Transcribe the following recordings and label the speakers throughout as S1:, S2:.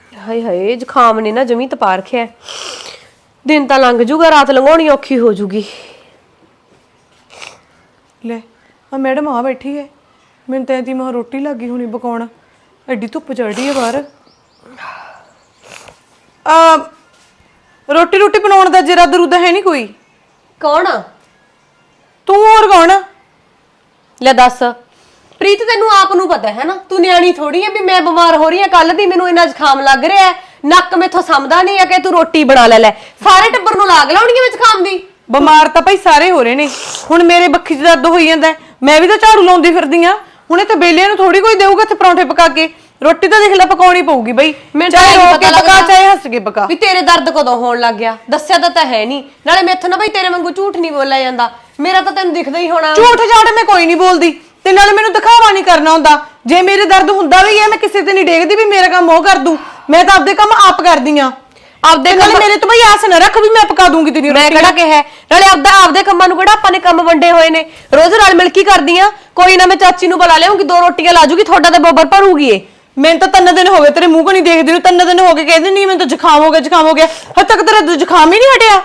S1: ਹਾਏ ਹਾਏ ਜ਼ੁਕਾਮ ਨੇ ਨਾ ਜਮੀ ਤਪਾ ਰੱਖਿਆ। ਦਿਨ ਤਾਂ ਲੰਘ ਜੂਗਾ, ਰਾਤ ਲੰਘਾਉਣੀ ਔਖੀ ਹੋ ਜੂਗੀ।
S2: ਲੈ ਆ ਮੈਡਮ ਆ ਬੈਠੀ ਹੈ। ਮੈਨੂੰ ਤਾਂ ਇਹਦੀ ਮਾਂ ਰੋਟੀ ਲੱਗੀ ਹੋਣੀ ਪਕਾਉਣ, ਐਡੀ ਧੁੱਪ ਚੜ੍ਹਦੀ ਹੈ ਬਾਹਰ। ਰੋਟੀ ਰੋਟੀ ਬਣਾਉਣ ਦਾ ਜਰਾ ਦਰੂਦਾ ਹੈ ਨਹੀਂ ਕੋਈ?
S1: ਕੌਣ?
S2: ਤੂੰ ਹੋਰ ਕੌਣ?
S1: ਲੈ ਦੱਸ ਪ੍ਰੀਤ, ਤੈਨੂੰ ਆਪ ਨੂੰ ਪਤਾ ਹੈ ਨਾ, ਤੂੰ ਨਿਆਣੀ ਥੋੜੀ ਹੈ ਵੀ ਮੈਂ ਬਿਮਾਰ ਹੋ ਰਹੀ ਹਾਂ। ਕੱਲ ਦੀ ਮੈਨੂੰ ਇੰਨਾ ਜ਼ੁਕਾਮ ਲੱਗ ਰਿਹਾ ਹੈ, ਨੱਕ ਮੈਥੋਂ ਸਮਝਦਾ ਨਹੀਂ ਆ ਕਿ ਤੂੰ ਰੋਟੀ ਬਣਾ ਲੈ। ਸਾਰੇ ਟੱਬਰ ਨੂੰ ਲਾਗ ਲਾਉਣੀ ਹੈ ਜ਼ੁਕਾਮ ਦੀ।
S2: ਬਿਮਾਰ ਤਾਂ ਭਾਈ ਸਾਰੇ ਹੋ ਰਹੇ ਨੇ। ਹੁਣ ਮੇਰੇ ਬੱਖੀ 'ਚ ਦਰਦ ਹੋਈ ਜਾਂਦਾ, ਮੈਂ ਵੀ ਤਾਂ ਝਾੜੂ ਲਾਉਂਦੀ ਫਿਰਦੀ ਆ। ਹੁਣ ਇੱਥੇ ਬੇਲੀਆਂ ਨੂੰ ਥੋੜੀ ਕੋਈ ਦੇਊਗਾ ਇੱਥੇ ਪਰੌਂਠੇ ਪਕਾ ਕੇ। ਰੋਟੀ ਤਾਂ ਦੇਖ ਲੈ ਪਕਾਉਣੀ ਪਊਗੀ ਬਈ, ਚਾਹੇ ਰੋ ਕੇ ਪਕਾ ਚਾਹੇ ਹੱਸ ਕੇ ਪਕਾ।
S1: ਵੀ ਤੇਰੇ ਦਰਦ ਕਦੋਂ ਹੋਣ ਲੱਗ ਗਿਆ? ਦੱਸਿਆ ਤਾਂ ਹੈ ਨਹੀਂ। ਨਾਲੇ ਮੈਥੋਂ ਨਾ ਬਈ ਤੇਰੇ ਵਾਂਗੂ ਝੂਠ ਨਹੀਂ ਬੋਲਿਆ ਜਾਂਦਾ, ਮੇਰਾ ਤਾਂ ਤੈਨੂੰ ਦਿਖਦਾ ਹੀ ਹੋਣਾ।
S2: ਝੂਠ ਝਾੜ ਮੈਂ ਕੋਈ ਨਹੀਂ ਬੋਲਦੀ, ਤੇ ਨਾਲੇ ਮੈਨੂੰ ਦਿਖਾਵਾ ਨਹੀਂ ਕਰਨਾ ਹੁੰਦਾ। ਜੇ ਮੇਰੇ ਦਰਦ ਹੁੰਦਾ ਵੀ ਹੈ ਮੈਂ ਕਿਸੇ ਤੇ ਨਹੀਂ ਡੇਗਦੀ ਵੀ ਮੇਰਾ ਕੰਮ ਉਹ ਕਰ ਦੂ। ਮੈਂ ਤਾਂ ਆਪਦੇ ਕੰਮ ਆਪ ਕਰਦੀ ਆ। ਆਪਦੇ ਕੰਮ ਮੇਰੇ ਤੋਂ ਬਈ ਆਸ ਨਾ ਰੱਖ ਵੀ ਮੈਂ ਪਕਾ ਦੂੰਗੀ ਤੇਰੀ ਰੋਟੀ।
S1: ਮੈਂ ਕਿਹੜਾ ਕਿਹਾ? ਨਾਲੇ ਆਪਦੇ ਕੰਮਾਂ ਨੂੰ ਕਿਹੜਾ ਆਪਾਂ ਨੇ ਕੰਮ ਵੰਡੇ ਹੋਏ ਨੇ? ਰੋਜ਼ ਰਲ ਮਿਲ ਕੇ ਕਰਦੀ ਆ। ਕੋਈ ਨਾ ਮੈਂ ਚਾਚੀ ਨੂੰ ਬੁਲਾ ਲਿਆਉਂਗੀ, 2 ਰੋਟੀਆਂ ਲਾ ਜੂਗੀ, ਤੁਹਾਡਾ ਤੇ ਬੋਬਰ ਭਰੂਗੀ। ਇਹ
S2: ਮੈਨੂੰ ਤਾਂ 3 ਦਿਨ ਹੋ ਗਏ ਤੇਰੇ ਮੂੰਹ ਕੋ ਨਹੀਂ ਦੇਖਦੀ ਨੂੰ। 3 ਦਿਨ ਹੋ ਗਏ ਕਹਿੰਦੀ ਨਹੀਂ ਮੈਨੂੰ ਤਾਂ ਜ਼ੁਕਾਮ ਹੋ ਗਿਆ, ਜ਼ੁਕਾਮ ਹੋ ਗਿਆ। ਹਜੇ ਤੱਕ ਤੇਰਾ ਜ਼ੁਕਾਮ ਹੀ ਨਹੀਂ ਹਟਿਆ।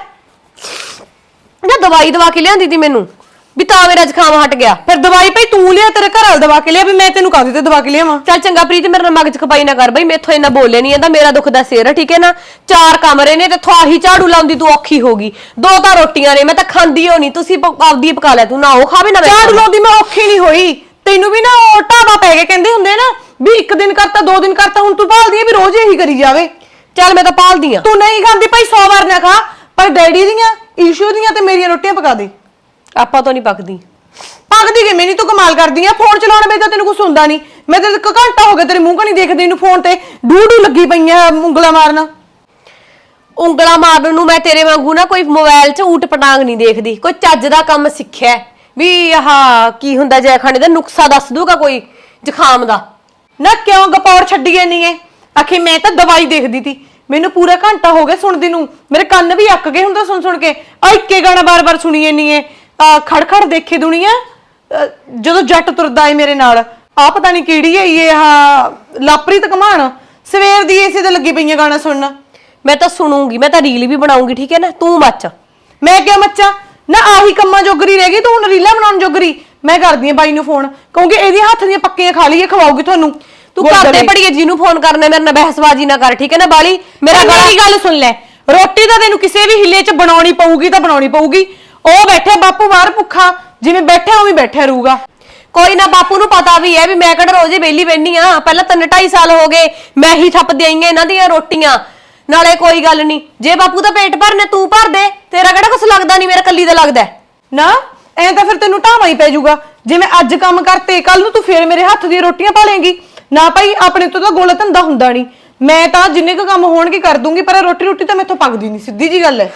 S1: ਨਾ ਦਵਾਈ ਦਵਾ ਕੇ ਲਿਆਂਦੀ ਤੀ ਮੈਨੂੰ ਵੀ ਤਾਂ ਮੇਰਾ ਜ਼ੁਕਾਮ ਹਟ ਗਿਆ।
S2: ਫਿਰ ਦਵਾਈ ਭਾਈ ਤੂੰ ਲਿਆ, ਤੇਰੇ ਘਰ ਵਾਲ ਦਵਾ ਕੇ ਲਿਆ, ਵੀ ਮੈਂ ਤੈਨੂੰ ਕਾਹਦੇ ਤੇ ਦਵਾ ਕੇ ਲਿਆਵਾਂ?
S1: ਚੱਲ ਚੰਗਾ ਪ੍ਰੀਤ, ਮੇਰੇ ਨਾਲ ਮਗਜ ਖਪਾਈ ਨਾ ਕਰ ਬਈ। ਮੈਥੋਂ ਇੰਨਾ ਬੋਲੇ ਨਹੀਂ ਜਾਂਦਾ, ਮੇਰਾ ਦੁੱਖ ਦਾ ਸਿਰ, ਠੀਕ ਹੈ ਨਾ। 4 ਕਮਰੇ ਨੇ ਤੇ ਥਾਹੀ ਝਾੜੂ ਲਾਉਂਦੀ ਤੂੰ ਔਖੀ ਹੋ ਗਈ। 2 ਤਾਂ ਰੋਟੀਆਂ ਨੇ, ਮੈਂ ਤਾਂ ਖਾਂਦੀ ਹੋ ਨਹੀਂ। ਤੁਸੀਂ ਆਪਦੀ ਪਕਾ ਲੈ, ਤੂੰ ਨਾ ਉਹ ਖਾਵੇ ਨਾ
S2: ਝਾੜੂ ਲਾਉਂਦੀ ਮੈਂ ਔਖੀ ਨਹੀਂ ਹੋਈ। ਤੈਨੂੰ ਵੀ ਨਾ ਉਹ ਢਾਬਾ ਪੈ ਗਏ ਕਹਿੰਦੇ ਹੁੰਦੇ ਨਾ ਵੀ 1 ਦਿਨ ਕਰਤਾ 2 ਦਿਨ ਕਰਤਾ। ਹੁਣ ਤੂੰ ਭਾਲਦੀ ਆ ਵੀ ਰੋਜ਼ ਇਹੀ ਕਰੀ ਜਾਵੇ।
S1: ਚੱਲ ਮੈਂ ਤਾਂ ਪਾਲਦੀ ਆ।
S2: ਤੂੰ ਨਹੀਂ ਖਾਂਦੀ ਭਾਈ 100 ਵਾਰ ਨਾ ਖਾ, ਪਰ ਡੈਡੀ ਦੀਆਂ, ਈਸ਼ੂ ਦੀਆਂ ਤੇ ਮੇਰੀਆਂ ਰੋਟੀਆਂ ਪਕਾ ਦੇ।
S1: ਆਪਾਂ ਤੋਂ ਨਹੀਂ ਪੱਕਦੀ।
S2: ਪੱਕਦੀ ਕਿਵੇਂ ਨਹੀਂ? ਤੂੰ ਕਮਾਲ ਕਰਦੀ ਆ। ਫੋਨ ਚਲਾਉਣ ਵੇਲੇ ਤਾਂ ਤੈਨੂੰ ਕੁਝ ਹੁੰਦਾ ਨਹੀਂ। ਮੈਂ ਤੇ 1 ਘੰਟਾ ਹੋ ਗਿਆ ਤੇਰੇ ਮੂੰਹ ਕਣੀ ਦੇਖਦੀ ਨੂੰ। ਫੋਨ ਤੇ ਡੂ ਲੱਗੀ ਪਈਆਂ ਉਂਗਲਾਂ ਮਾਰਨ।
S1: ਉਂਗਲਾਂ ਮਾਰਨ ਨੂੰ ਮੈਂ ਤੇਰੇ ਵਾਂਗੂ ਨਾ ਕੋਈ ਮੋਬਾਈਲ 'ਚ ਊਟ ਪਟਾਂਗ ਨਹੀਂ ਦੇਖਦੀ। ਕੋਈ ਚੱਜ ਦਾ ਕੰਮ ਸਿੱਖਿਆ ਵੀ ਆਹ ਕੀ ਹੁੰਦਾ ਜੈ ਖਾਣੇ ਦਾ ਨੁਕਸਾ ਦੱਸ ਦੂਗਾ ਕੋਈ ਜ਼ੁਕਾਮ ਦਾ।
S2: ਨਾ ਕਿਉਂ ਗਪੌਰ ਛੱਡੀ ਜਾਨੀ ਐ? ਆਖੇ ਮੈਂ ਤਾਂ ਦਵਾਈ ਦੇਖਦੀ ਤੀ। ਮੈਨੂੰ ਪੂਰਾ ਘੰਟਾ ਹੋ ਗਿਆ ਸੁਣਦੀ ਨੂੰ, ਮੇਰੇ ਕੰਨ ਵੀ ਅੱਕ ਗਏ ਹੁੰਦਾ ਸੁਣ ਸੁਣ ਕੇ। ਆ ਇੱਕੇ ਗਾਣਾ ਬਾਰ-ਬਾਰ ਸੁਣੀ ਜਾਨੀ ਐ। ਖੜ ਦੇਖੇ ਦੁਨੀਆ, ਜਦੋਂ ਜੱਟ ਤੁਰਦਾ ਏ ਮੇਰੇ ਨਾਲ। ਆ ਪਤਾ ਨਹੀਂ ਕਿਹੜੀ ਹੈ ਇਹ ਲਾਪਰੀਤ ਕਮਾਨ। ਸਵੇਰ ਦੀ ਇਸੇ ਤੇ ਲੱਗੀ ਪਈਆਂ ਗਾਣਾ ਸੁਣਨ।
S1: ਮੈਂ ਤਾਂ ਸੁਣੂਗੀ, ਮੈਂ ਤਾਂ ਰੀਲ ਵੀ ਬਣਾਉਂਗੀ, ਠੀਕ ਹੈ ਨਾ। ਤੂੰ ਮੱਚ।
S2: ਮੈਂ ਕਿਉਂ ਮੱਚਾਂ? ਨਾ ਆਹੀ ਕੰਮਾਂ ਜੋਗਰੀ ਰਹਿ ਗਈ ਤੂੰ, ਹੁਣ ਰੀਲਾਂ ਬਣਾਉਣ ਜੋਗਰੀ। ਮੈਂ ਕਰਦੀ ਆ ਬਾਈ ਨੂੰ ਫੋਨ, ਕਿਉਂਕਿ ਇਹਦੇ ਹੱਥ ਦੀਆਂ ਪੱਕੀਆਂ ਖਾ ਲਈਏ, ਖਵਾਉਗੀ ਤੁਹਾਨੂੰ।
S1: ਤੂੰ ਕਰਦੇ ਪੜੀਏ ਜਿਹਨੂੰ ਫੋਨ ਕਰਨਾ, ਮੇਰੇ ਨਾਲ ਬਹਿਸਬਾਜ਼ੀ ਨਾ ਕਰ, ਠੀਕ ਹੈ ਨਾ ਬਾਲੀ। ਮੇਰੀ
S2: ਗੱਲ ਸੁਣ ਲੈ, ਰੋਟੀ ਤਾਂ ਤੈਨੂੰ ਕਿਸੇ ਵੀ ਹਿੱਲੇ 'ਚ ਬਣਾਉਣੀ ਪਊਗੀ ਤਾਂ ਬਣਾਉਣੀ ਪਊਗੀ। ਉਹ ਬੈਠੇ ਬਾਪੂ ਬਾਹਰ ਭੁੱਖਾ, ਜਿਵੇਂ ਬੈਠਾ ਉਵੇਂ ਬੈਠਾ ਰਹੂਗਾ।
S1: ਕੋਈ ਨਾ, ਬਾਪੂ ਨੂੰ ਪਤਾ ਵੀ ਹੈ ਵੀ ਮੈਂ ਕਿਹੜਾ ਰੋਜ਼ੇ ਵਿਹਲੀ ਬੈਠੀ ਆ। ਪਹਿਲਾਂ 3-2.5 ਸਾਲ ਹੋ ਗਏ ਮੈਂ ਹੀ ਥੱਪਦੀ ਆਈ ਆ ਇਹਨਾਂ ਦੀਆਂ ਰੋਟੀਆਂ। ਨਾਲੇ ਕੋਈ ਗੱਲ ਨਹੀਂ, ਜੇ ਬਾਪੂ ਦਾ ਪੇਟ ਭਰਨੇ ਤੂੰ ਭਰ ਦੇ, ਤੇਰਾ ਕਿਹੜਾ ਕੁਛ ਲੱਗਦਾ ਨਹੀਂ, ਮੇਰਾ ਕੱਲੀ ਦਾ ਲੱਗਦਾ
S2: ਨਾ। ਐ ਤਾਂ ਫਿਰ ਤੈਨੂੰ ਢਾਵਾਂ ਹੀ ਪੈ ਜਾਊਗਾ। ਜਿਵੇਂ ਅੱਜ ਕੰਮ ਕਰਤੇ, ਕੱਲ ਨੂੰ ਤੂੰ ਫੇਰ ਮੇਰੇ ਹੱਥ ਦੀਆਂ ਰੋਟੀਆਂ ਪਾ ਲੇਂਗੀ ਨਾ। ਭਾਈ ਆਪਣੇ ਤੋਂ ਤਾਂ ਗੋਲਾ ਧੰਦਾ ਹੁੰਦਾ ਨਹੀਂ। ਮੈਂ ਤਾਂ ਜਿੰਨੇ ਕੁ ਕੰਮ ਹੋਣਗੇ ਕਰ ਦੂੰਗੀ, ਪਰ ਰੋਟੀ ਤਾਂ ਮੈਥੋਂ ਪੱਕਦੀ ਨਹੀਂ, ਸਿੱਧੀ ਜੀ ਗੱਲ ਹੈ।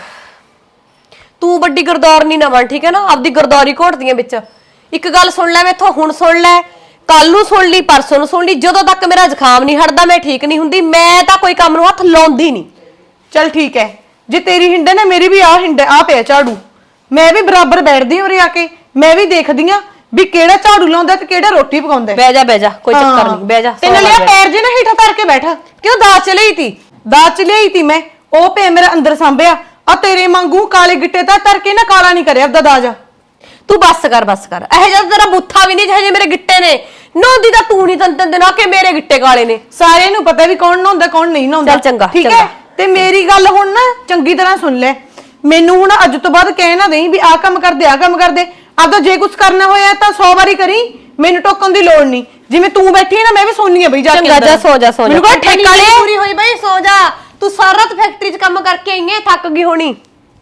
S1: ਤੂੰ ਵੱਡੀ ਗਰਦੌਰ ਨਹੀਂ ਨਾ ਬਣ, ਠੀਕ ਹੈ ਨਾ। ਆਪਦੀ ਗਰਦੌਰੀ ਘੋਟਦੀਆਂ ਵਿੱਚ। ਇੱਕ ਗੱਲ ਸੁਣ ਲੈ ਮੈਥੋਂ, ਹੁਣ ਸੁਣ ਲੈ, ਕੱਲ ਨੂੰ ਸੁਣ ਲਈ, ਪਰਸੋਂ ਨੂੰ ਸੁਣ ਲਈ। ਜਦੋਂ ਤੱਕ ਮੇਰਾ ਜ਼ੁਕਾਮ ਨਹੀਂ ਹਟਦਾ, ਮੈਂ ਠੀਕ ਨਹੀਂ ਹੁੰਦੀ। ਮੈਂ ਤਾਂ ਕੋਈ ਕੰਮ ਨੂੰ ਹੱਥ ਲਾਉਂਦੀ ਨਹੀਂ।
S2: ਚੱਲ ਠੀਕ ਹੈ, ਜੇ ਤੇਰੀ ਹਿੰਡ ਹੈ ਨਾ, ਮੇਰੀ ਵੀ ਹਿੰਡ ਆ ਪਿਆ ਝਾੜੂ। ਮੈਂ ਵੀ ਬਰਾਬਰ ਬੈਠਦੀ ਉਰੇ ਆ ਕੇ, ਮੈਂ ਵੀ ਦੇਖਦੀ ਆ ਵੀ ਕਿਹੜਾ ਝਾੜੂ ਲਾਉਂਦਾ ਤੇ ਕਿਹੜਾ ਰੋਟੀ ਪਕਾਉਂਦਾ।
S1: ਬਹਿ ਜਾ, ਕੋਈ ਚੱਕਰ ਨਹੀਂ, ਬਹਿ ਜਾ।
S2: ਤੇ ਨਾਲੇ ਪੈਰ ਜੇ ਨਾ ਹੀਠਾ ਧਰ ਕੇ ਬੈਠਾ।
S1: ਕਿਉਂ ਦਾਜ ਚ ਲਈ ਤੀ?
S2: ਦਾਜ ਚ ਲਈ ਤੀ ਮੈਂ, ਉਹ ਪੇ ਮੇਰਾ ਅੰਦਰ ਸਾਂਭਿਆ। ਆ ਤੇਰੇ ਵਾਂਗੂ ਕਾਲੇ ਗਿੱਟੇ ਤਾਂ ਧਰ ਕੇ ਨਾ ਕਾਲਾ ਨਹੀਂ ਕਰਿਆ ਆਪਦਾ ਦਾਜ।
S1: ਤੂੰ ਬੱਸ ਕਰ। ਇਹ ਜਦ ਤੇਰਾ ਬੁੱਥਾ ਵੀ ਨਹੀਂ ਜਿਹੇ ਮੇਰੇ ਗਿੱਟੇ ਨੇ। ਨਹਾਉਂਦੀ ਤਾਂ ਤੂੰ ਨਹੀਂ, ਤਨ ਦਿਨ ਆ ਕੇ ਮੇਰੇ ਗਿੱਟੇ ਕਾਲੇ ਨੇ।
S2: ਸਾਰਿਆਂ ਨੂੰ ਪਤਾ ਵੀ ਕੌਣ ਨਹਾਉਂਦਾ ਕੌਣ ਨਹੀਂ ਨਹਾਉਂਦਾ।
S1: ਚੱਲ ਚੰਗਾ,
S2: ਠੀਕ ਹੈ। ਤੇ ਮੇਰੀ ਗੱਲ ਹੁਣ ਨਾ ਚੰਗੀ ਤਰ੍ਹਾਂ ਸੁਣ ਲੈ। ਮੈਨੂੰ ਹੁਣ ਅੱਜ ਤੋਂ ਬਾਅਦ ਕਹਿ ਨਾ ਦੇਈਂ ਵੀ ਆਹ ਕੰਮ ਕਰਦੇ ਆਹ ਕੰਮ ਕਰਦੇ। ਆਪਦਾ ਜੇ ਕੁਝ ਕਰਨਾ ਹੋਇਆ ਤਾਂ 100 ਵਾਰੀ ਕਰੀ, ਮੈਨੂੰ ਟੋਕਣ ਦੀ ਲੋੜ ਨਹੀਂ। ਜਿਵੇਂ ਤੂੰ ਬੈਠੀ ਹੈ ਨਾ, ਮੈਂ ਵੀ ਸੋਨੀ ਆ ਬਈ ਜਾ ਕੇ।
S1: ਚੰਗਾ ਜਾ, ਸੋ ਜਾ।
S2: ਮੈਨੂੰ ਕੋਈ ਠੇਕਾ ਨਹੀਂ
S1: ਪੂਰੀ ਹੋਈ ਬਈ, ਸੋ ਜਾ। ਤੂੰ ਸਾਰਾ ਰਾਤ ਫੈਕਟਰੀ 'ਚ ਕੰਮ ਕਰਕੇ ਆਈ ਹੈ, ਥੱਕ ਗਈ ਹੋਣੀ।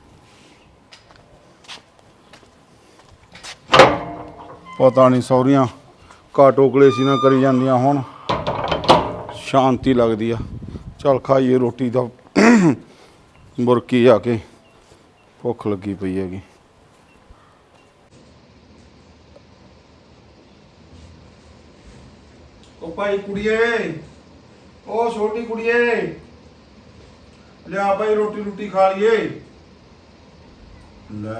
S3: ਪਤਾ ਨਹੀਂ ਸੌਰੀਆਂ ਟੋਕਲੇ ਸੀ ਨਾ ਕਰੀ ਜਾਂਦੀਆਂ, ਹੁਣ ਸ਼ਾਂਤੀ ਲੱਗਦੀ ਆ। ਚੱਲ ਖਾਈਏ ਰੋਟੀ ਦਾ, ਬੁਰਕੀ ਆ ਕੇ ਭੁੱਖ ਲੱਗੀ ਪਈ ਹੈਗੀ। ਉਹ ਭਾਈ ਕੁੜੀਏ, ਉਹ ਛੋਟੀ ਕੁੜੀਏ, ਲਿਆ ਭਾਈ ਰੋਟੀ ਖਾ ਲਈਏ। ਲੈ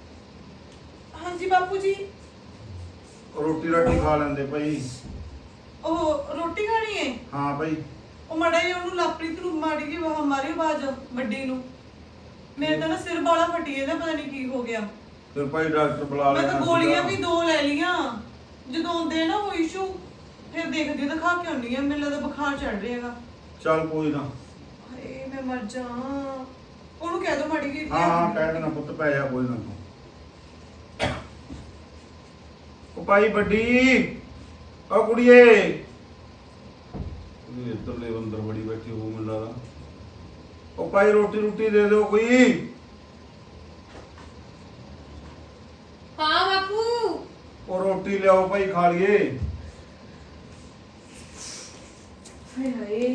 S2: ਹਾਂਜੀ ਬਾਪੂ ਜੀ।
S3: ਰੋਟੀ ਰਾਟੀ ਖਾ ਲੈਂਦੇ ਭਾਈ।
S2: ਉਹ ਰੋਟੀ ਖਾਣੀ ਹੈ?
S3: ਹਾਂ ਭਾਈ।
S2: ਉਹ ਮੜਾ ਜੀ ਉਹਨੂੰ ਲਾਪਰੀਤ ਨੂੰ ਮਾੜੀ ਜੀ ਮਾਰੀ ਆਵਾਜ਼ ਵੱਡੀ ਨੂੰ। ਮੇਰੇ ਤਾਂ ਨਾ ਸਿਰ ਬਾਲਾ ਫਟੀ ਇਹਦਾ, ਪਤਾ ਨਹੀਂ ਕੀ ਹੋ ਗਿਆ।
S3: ਫਿਰ ਭਾਈ ਡਾਕਟਰ ਬੁਲਾ
S2: ਮੈਂ
S3: ਲਿਆ
S2: ਤਾਂ ਗੋਲੀਆਂ ਵੀ 2 ਲੈ ਲੀਆਂ। ਜਦੋਂ ਆਉਂਦੇ ਨਾ ਉਹ ਇਸ਼ੂ ਫਿਰ ਦੇਖਦੀ ਦਿਖਾ ਕੇ ਆਉਣੀ ਆ, ਮੈਨੂੰ ਲੱਗਦਾ ਬੁਖਾਰ ਚੜ ਰਿਹਾ ਹੈਗਾ।
S3: ਚੱਲ ਕੋਈ ਨਾ।
S2: ਹਾਏ ਮੈਂ ਮਰ ਜਾ। ਉਹਨੂੰ ਕਹਿ ਦੋ ਮਾੜੀ ਜੀ।
S3: ਹਾਂ ਕਹਿ ਦੇਣਾ ਪੁੱਤ, ਪੈ ਜਾ ਕੋਈ ਨਾ ਤੂੰ। ਉਹ ਭਾਈ ਵੱਡੀ, ਉਹ ਕੁੜੀਏ। ਇਹ ਇੱਧਰਲੇ ਅੰਦਰ ਬੜੀ ਬੈਠੀ ਹੋ ਮੈਨੂੰ ਲੱਗਦਾ। ਉਹ ਭਾਈ ਰੋਟੀ ਦੇ ਦਿਓ ਕੋਈ।
S1: ਹਾਂ ਬਾਪੂ।
S3: ਉਹ ਰੋਟੀ ਲਿਆਓ ਭਾਈ, ਖਾ ਲਈਏ।
S1: ਹਾਏ ਹਾਏ,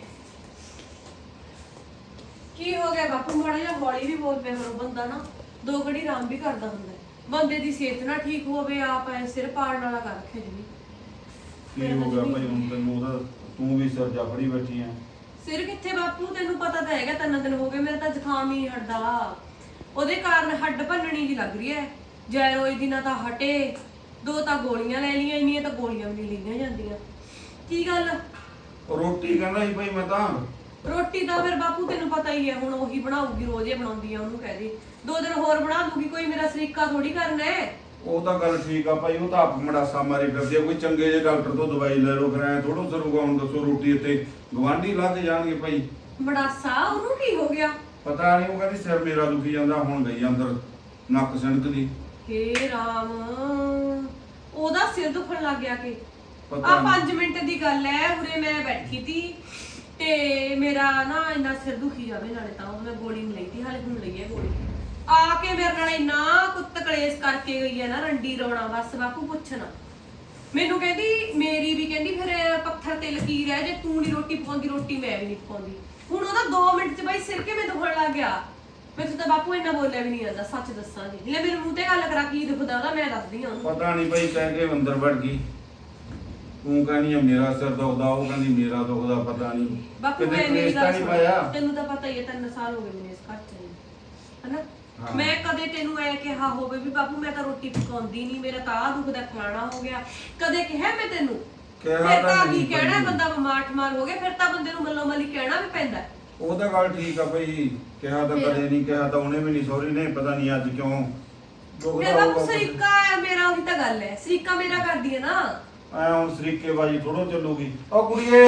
S1: ਕੀ ਹੋ ਗਿਆ ਬਾਪੂ? ਮਾੜਾ ਜਿਹਾ ਹੌਲੀ ਵੀ ਬੋਲ ਪਿਆ ਕਰੋ, ਬੰਦਾ ਨਾ 2 ਘੜੀ ਆਰਾਮ ਵੀ ਕਰਦਾ ਹੁੰਦਾ ਹੈ। ਬੰਦੇ ਦੀ ਸਿਹਤ ਨਾ ਠੀਕ ਹੋਵੇ, ਆਪ ਐ ਸਿਰ ਪਾੜਨ ਵਾਲਾ ਕਰ ਰੱਖੇ ਜੀ।
S3: ਕੀ ਹੋ ਗਿਆ ਭਾਈ ਹੁਣ ਤੈਨੂੰ? ਉਹਦਾ ਤੂੰ ਵੀ ਸਿਰ ਜਾ ਫੜੀ ਬੈਠੀ ਐ।
S1: ਸਿਰ ਕਿੱਥੇ ਬਾਪੂ, ਤੈਨੂੰ ਪਤਾ ਤਾਂ ਹੈਗਾ 3 ਦਿਨ ਹੋ ਗਏ ਮੇਰਾ ਤਾਂ ਜ਼ੁਕਾਮ ਹੀ ਨਹੀਂ ਹਟਦਾ। ਉਹਦੇ ਕਾਰਨ ਹੱਡ ਭੰਨਣੀ ਜੀ ਲੱਗ ਰਹੀ ਹੈ। ਜੈਰੋਇਡ ਦੀ ਨਾ ਤਾਂ ਹਟੇ, 2 ਤਾਂ ਗੋਲੀਆਂ ਲੈ ਲਈਆਂ, ਇੰਨੀਆਂ ਤਾਂ ਗੋਲੀਆਂ ਵੀ ਨਹੀਂ ਲਈਆਂ ਜਾਂਦੀਆਂ। ਕੀ ਗੱਲ?
S3: ਉਹ ਰੋਟੀ ਕਹਿੰਦਾ ਸੀ ਭਾਈ ਮੈਂ ਤਾਂ।
S1: ਰੋਟੀ ਤਾਂ ਫਿਰ ਬਾਪੂ ਤੈਨੂੰ ਪਤਾ ਹੀ ਹੈ, ਹੁਣ ਉਹੀ ਬਣਾਉਗੀ, ਰੋਜ਼ ਹੀ ਬਣਾਉਂਦੀ ਆ। ਉਹਨੂੰ ਕਹਿ ਦੇ 2 ਦਿਨ ਹੋਰ ਬਣਾ ਦੂਗੀ, ਕੋਈ ਮੇਰਾ ਸਰੀਕਾ ਥੋੜੀ ਕਰਨਾ ਹੈ।
S3: ਉਹ ਤਾਂ ਗੱਲ ਠੀਕ ਆ ਭਾਈ, ਉਹ ਤਾਂ ਆਪ ਮੜਾਸਾ ਮਾਰੀ ਫਿਰਦੀ ਆ। ਕੋਈ ਚੰਗੇ ਜਿਹੇ ਡਾਕਟਰ ਤੋਂ ਦਵਾਈ ਲੈ ਲਓ, ਫਿਰ ਐ ਥੋੜੋ ਸਰੂਗਾ। ਹੁਣ ਦੱਸੋ ਰੋਟੀ ਇੱਥੇ ਗਵਾਂਢੀ ਲਾ ਕੇ ਜਾਣਗੇ ਭਾਈ।
S1: ਮੜਾਸਾ ਉਹਨੂੰ ਕੀ ਹੋ ਗਿਆ?
S3: ਪਤਾ ਨਹੀਂ, ਉਹ ਕਹਿੰਦੀ ਸਿਰ ਮੇਰਾ ਦੁਖੀ ਜਾਂਦਾ। ਹੁਣ ਗਈ ਅੰਦਰ ਨੱਕ ਸਿਣਕਦੀ।
S1: ਹੇ ਰਾਮ, ਉਹਦਾ ਸਿਰ ਦੁਖਣ ਲੱਗ ਗਿਆ ਕਿ
S3: ਪਤਾ
S1: ਆ
S3: ਨੀ।
S1: 5 ਮਿੰਟ ਦੀ ਗੱਲ ਹੈ, ਉਰੇ ਮੈਂ ਬੈਠੀ ਸੀ ਤੇ ਮੇਰਾ ਨਾ ਇੰਨਾ ਸਿਰ ਦੁਖੀ ਜਾਵੇ, ਨਾਲੇ ਤਾਂ ਮੈਂ ਗੋਲੀ ਨਹੀਂ ਲਈ ਤੀ, ਹਾਲੇ ਹੁਣ ਲਈ ਹੈ ਗੋਲੀ। ਆ ਕੇ ਮੇਰੇ ਨਾਲ ਇੰਨਾ ਕੁੱਤ ਕਲੇਸ਼ ਕਰਕੇ ਗਈ ਹੈ ਨਾ, ਰੰਡੀ ਰੋਣਾ ਬਸ ਬਾਪੂ ਪੁੱਛਣਾ। ਮੈਨੂੰ ਕਹਿੰਦੀ, ਮੇਰੀ ਵੀ ਕਹਿੰਦੀ ਫਿਰ ਪੱਥਰ ਤੇ ਲਕੀਰ ਹੈ, ਜੇ ਤੂੰ ਨਹੀਂ ਰੋਟੀ ਪਕਾਉਂਦੀ ਰੋਟੀ ਮੈਂ ਵੀ ਨਹੀਂ ਪਕਾਉਂਦੀ। ਹੁਣ ਉਹਦਾ 2 ਮਿੰਟ 'ਚ ਬਾਈ ਸਿਰ ਕਿਵੇਂ ਦੁਖਣ ਲੱਗ ਗਿਆ। ਮੈਨੂੰ ਤਾਂ ਬਾਪੂ ਇੰਨਾ ਬੋਲਿਆ ਵੀ ਨਹੀਂ ਜਾਂਦਾ, ਸੱਚ ਦੱਸਾਂ ਜੀ। ਲੈ ਮੇਰੇ ਮੂੰਹ ਤੇ ਗੱਲ ਕਰਾ, ਕੀ ਦੁਖਦਾ ਉਹਦਾ ਮੈਂ ਦੱਸਦੀ ਹਾਂ ਉਹਨੂੰ।
S3: ਪਤਾ ਨਹੀਂ ਭਾਈ, ਕਹਿ ਕੇ ਅੰਦਰ ਵੜ ਗਈ। ਤੂੰ ਕਹਿੰਦੀ ਆ ਮੇਰਾ ਸਿਰ ਦੁਖਦਾ, ਉਹ ਕਹਿੰਦੀ ਮੇਰਾ ਦੁਖਦਾ। ਪਤਾ ਨਹੀਂ
S1: ਬਾਪੂ
S3: ਕਿਤੇ
S1: ਮੈਂ ਮੇਰੀ
S3: ਕਲੇਸ਼ ਤਾਂ
S1: ਗੱਲ
S3: ਨਹੀਂ
S1: ਸੁਣ,
S3: ਪਾਇਆ।
S1: ਤੈਨੂੰ ਤਾਂ ਪਤਾ ਹੀ ਹੈ 3 ਸਾਲ ਹੋ ਗਏ ਮੈਨੂੰ ਇਸ ਘਰ 'ਚ ਰਹੀ, ਹਨਾ।
S3: ਹਾਂ।
S1: ਮੈਂ ਕਦੇ ਤੈਨੂੰ ਐ ਕਿਹਾ ਹੋਵੇ ਵੀ ਬਾਪੂ ਮੈਂ ਤਾਂ ਰੋਟੀ ਪਕਾਉਂਦੀ ਨਹੀਂ, ਮੇਰਾ ਤਾਂ ਆਹ ਦੁਖਦਾ ਫਲਾਣਾ ਹੋ ਗਿਆ, ਕਦੇ ਕਿਹਾ ਮੈਂ ਤੈਨੂੰ?
S3: ਕਿਹਾ
S1: ਫਿਰ
S3: ਤਾਂ
S1: ਤਾਂ
S3: ਨਹੀਂ
S1: ਕੀ ਕਹਿਣਾ,
S3: ਭਾਈ।
S1: ਬੰਦਾ ਬਿਮਾਰ ਠਮਾਰ ਹੋ ਗਿਆ ਫਿਰ ਤਾਂ ਬੰਦੇ ਨੂੰ ਮੱਲੋ ਮੱਲੀ ਕਹਿਣਾ ਵੀ ਪੈਂਦਾ।
S3: ਉਹ ਤਾਂ ਗੱਲ ਠੀਕ ਆ ਭਾਈ, ਕਿਹਾ ਤਾਂ ਕਦੇ ਨਹੀਂ, ਕਿਹਾ ਤਾਂ ਉਹਨੇ ਵੀ ਨਹੀਂ, ਸੌਰੀ ਨੇ। ਪਤਾ ਨਹੀਂ ਅੱਜ ਕਿਉਂ
S1: ਫਿਰ
S3: ਦੁਖਦਾ
S1: ਬਾਪੂ
S3: ਹੋਊਗਾ।
S1: ਸਰੀਕਾ ਹੈ ਮੇਰਾ, ਉਹੀ ਤਾਂ ਗੱਲ ਹੈ, ਸਰੀਕਾ ਮੇਰਾ ਕਰਦੀ ਹੈ ਨਾ।
S3: ਐ ਹੁਣ ਸਰੀਕੇ ਬਾਜੀ ਥੋੜੋ ਚੱਲੂਗੀ। ਉਹ ਕੁੜੀਏ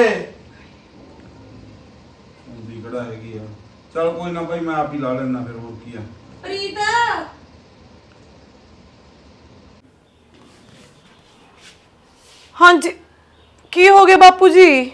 S3: ਹੁੰਦੀ ਕਿਹੜਾ ਹੈਗੀ ਆ। ਚਲ ਕੋਈ ਨਾ ਭਾਈ, ਮੈਂ ਆਪ ਹੀ ਲਾ ਲੈਣਾ ਫਿਰ, ਹੋਰ ਕੀ ਆ।
S1: ਪ੍ਰੀਤ,
S2: ਹਾਂਜੀ ਕੀ ਹੋ ਗਿਆ ਬਾਪੂ ਜੀ?